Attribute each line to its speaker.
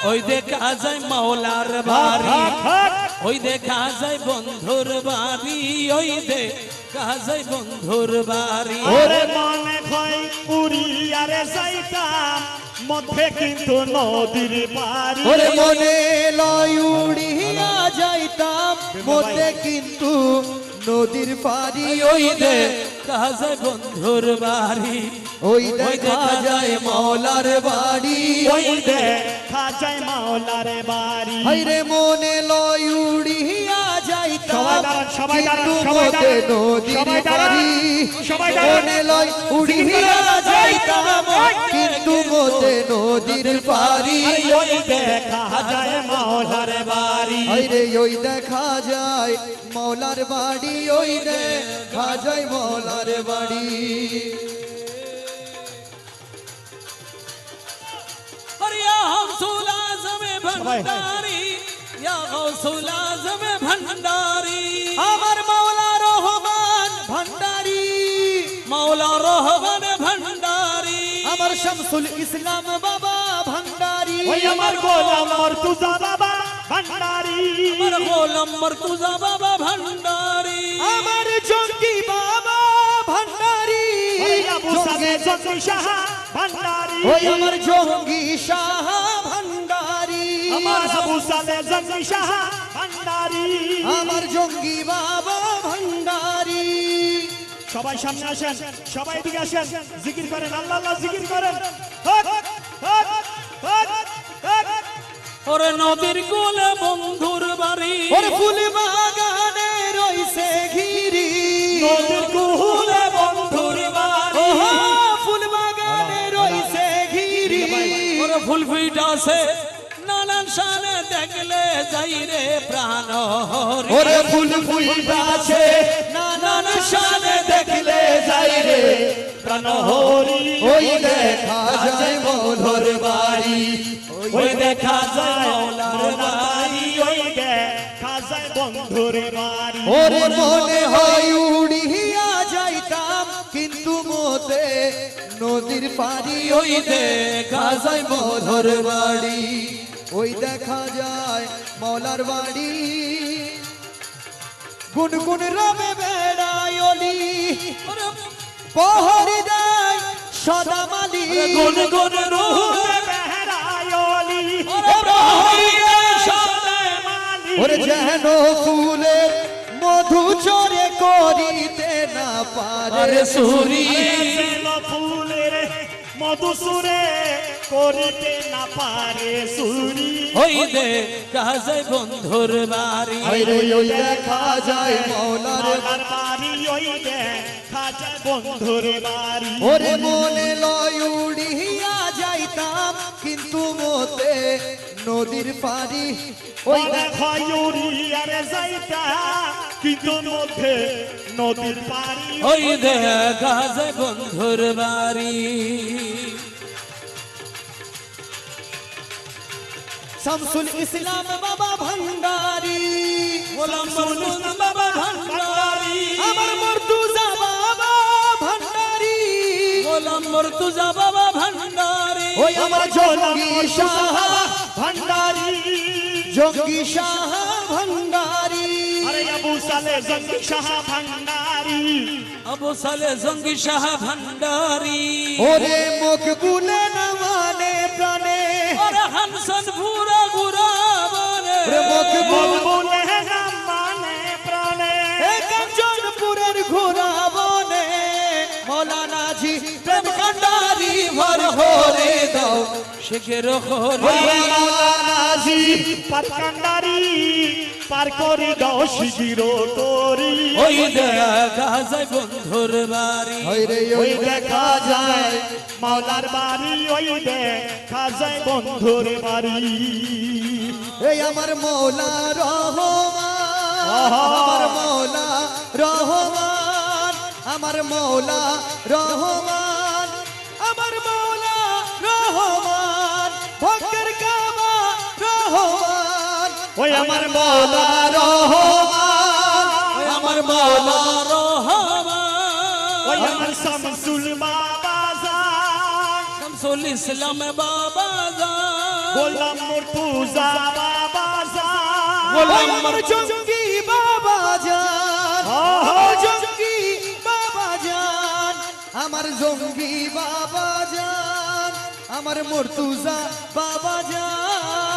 Speaker 1: ওই দেখা যায় মাওলার বাড়ি, ওই দেখা যায় বন্ধুর বাড়ি, ওই দেখা যায় বন্ধুর বাড়ি।
Speaker 2: ওরে মনে হয় উড়িয়ারে যাইতাম মধ্যে কিন্তু নদীর পাড়ি।
Speaker 3: ওরে মনে লয় উড়িয়া যাইতাম মধ্যে কিন্তু নদীর পাড়ি।
Speaker 1: ওই দেখা যায় বন্ধুর বাড়ি,
Speaker 3: ওই দেখা যায় মাওলার বাড়ি,
Speaker 2: ওই দেখা যায় মাওলার বাড়ি।
Speaker 3: হায়রে মনে লয় উড়িয়া যাইতাম
Speaker 2: সবাই দাঁড়ান,
Speaker 3: কিন্তু
Speaker 2: সবাই
Speaker 3: মধ্যে
Speaker 2: দাঁড়ান,
Speaker 3: নদীর
Speaker 2: সবাই দাঁড়ান,
Speaker 3: পাড়ি।
Speaker 2: সবাই দাঁড়ান।
Speaker 3: মনে লয় উড়িয়া যাইতাম কিন্তু মধ্যে নদীর পাড়ি।
Speaker 2: ওই দেখা যায় মাওলার বাড়ি।
Speaker 3: হায়রে ওই দেখা যায় মাওলার বাড়ি, ওই দেখা যায় মাওলার বাড়ি।
Speaker 1: अरे या गौसुल आज़म भंडारी, या गौसुल आज़म भंडारी,
Speaker 3: আমার মাওলা রহমান ভান্ডারি,
Speaker 1: मौला रहमान भंडारी,
Speaker 3: আমার শামসুল ইসলাম বাবা ভান্ডারি,
Speaker 2: ওই আমার গোলাম মর্তুজা বাবা ভান্ডারি।
Speaker 1: अमर गोलम मर्तुजा बाबा भंडारी,
Speaker 3: আমার জঙ্গি বাবা ভান্ডারি,
Speaker 2: ওই আবু সালে জঙ্গি শাহ ভান্ডারি।
Speaker 3: ওই আমার জঙ্গি শাহ ভান্ডারি,
Speaker 2: আমার আবু সালে জঙ্গি শাহ ভান্ডারি।
Speaker 3: আমার জঙ্গি বাবা ভান্ডারি।
Speaker 2: সবাই সামনে আসেন, সবাই এদিকে আসেন, জিকির করেন, আল্লাহ আল্লাহ জিকির করেন। হক, হক, হক, হক।
Speaker 1: और नदीर कोले बंधुर बाड़ी,
Speaker 3: ওর ফুল বাগানে রইছে ঘিরি,
Speaker 2: নদীর কুলে বন্ধুর বাড়ি।
Speaker 3: ওহো ফুল বাগানে রইছে ঘিরি,
Speaker 1: और फुल फीटा से नानान शाने देखले जाई रे प्राण हरि,
Speaker 3: ওরে ফুল ফুইতাছে নানান শানে দেখলে যাই রে
Speaker 2: প্রাণ হরি।
Speaker 3: ওই দেখা যায় মধুর বাড়ি,
Speaker 2: ওই দেখা যায় মাওলার বাড়ি। ওই দেখা যায় বন্ধুর বাড়ি।
Speaker 3: ওরে মনে হয় উড়িয়া যাইতাম কিন্তু মতে নদীর পাড়ি, ওই দেখা যায় মধুর বাড়ি, ওই দেখা যায় মাওলার বাড়ি। গুনগুন রবে বেড়ায় অলি,
Speaker 1: और
Speaker 3: পহরি দেয় সদা মালি,
Speaker 1: गुन गुन रूह
Speaker 2: বেহরায়লি।
Speaker 1: और प्रहरी रे शब्दे
Speaker 2: মালি।
Speaker 3: ওরে যেন ফুলের মধু চরে করিতে না পারে
Speaker 1: अरे सूरी,
Speaker 2: যেন ফুলের মধুসুরে করিতে না পারে সুরি।
Speaker 1: ওই দেখা যায় বন্ধুর বাড়ি,
Speaker 3: হায়রে ওই দেখা যায় মাওলার
Speaker 2: মাওলার বাড়ি। ওই দেখা যায় বন্ধুর বাড়ি।
Speaker 3: ওরে মনে লয় উড়িয়া যাইতাম কিন্তু মতে নদীর পাড়ি, ওই
Speaker 2: ওই দেখো ইউরিয়ারে যাইতা কিন্তু মধ্যে নদীর পাড়ি।
Speaker 1: ওই দেখা যায় বন্ধুর বাড়ি।
Speaker 3: শামসুল ইসলাম বাবা ভান্ডারি,
Speaker 1: গোলাম মর্তুজা বাবা ভন্ডারি,
Speaker 3: আমার মর্তুজা বাবা ভান্ডারি,
Speaker 1: গোলাম মর্তুজা বাবা ভন্ডারি,
Speaker 3: ওই আমার জঙ্গি শাহ
Speaker 2: ভান্ডারি।
Speaker 3: জঙ্গি শাহ ভান্ডারি,
Speaker 2: আরে আবু সালে জঙ্গি শাহ ভান্ডারি।
Speaker 1: আবু সালে জঙ্গি শাহ ভন্ডারি,
Speaker 3: ওরে মকবুলে না মানে প্রাণে,
Speaker 1: ওরে হানসন পুরা গুরা বনে,
Speaker 3: ওরে মকবুল
Speaker 2: বলে না মানে প্রাণে।
Speaker 3: কাঞ্চনপুরের ঘোরা বনে, মৌলানা জি প্রেম কান্ডারি ভর হরে দাও
Speaker 1: শেখের হরি,
Speaker 2: ওই মাওলানা জি পার কান্ডারি পার করে দাও শিগির তরি।
Speaker 1: ওই দেখা যায় বন্ধুর বাড়ি,
Speaker 3: হায়রে
Speaker 2: ওই দেখা যায় মাওলার বাড়ি। ওই দেখা যায় বন্ধুর বাড়ি।
Speaker 3: এই আমার মৌলা রহমান, আমার মৌলা রহমান, আমার মৌলা রহমান, আমার মৌলা রহমান, ভক্তের কাবা রহমান,
Speaker 2: ওই আমার মাওলা রহমান।
Speaker 1: ওই আমার মাওলা রহমান,
Speaker 2: ওই আমার শামসুল বাবা জান।
Speaker 1: শামসুল ইসলাম বাবা জান,
Speaker 2: গোলাম মুর্তুজা বাবা জান
Speaker 1: গোলাম
Speaker 3: আমার জঙ্গি বাবা জান জঙ্গি বাবা জান আমার জঙ্গি বাবা জান আমার মুর্তুজা বাবা জান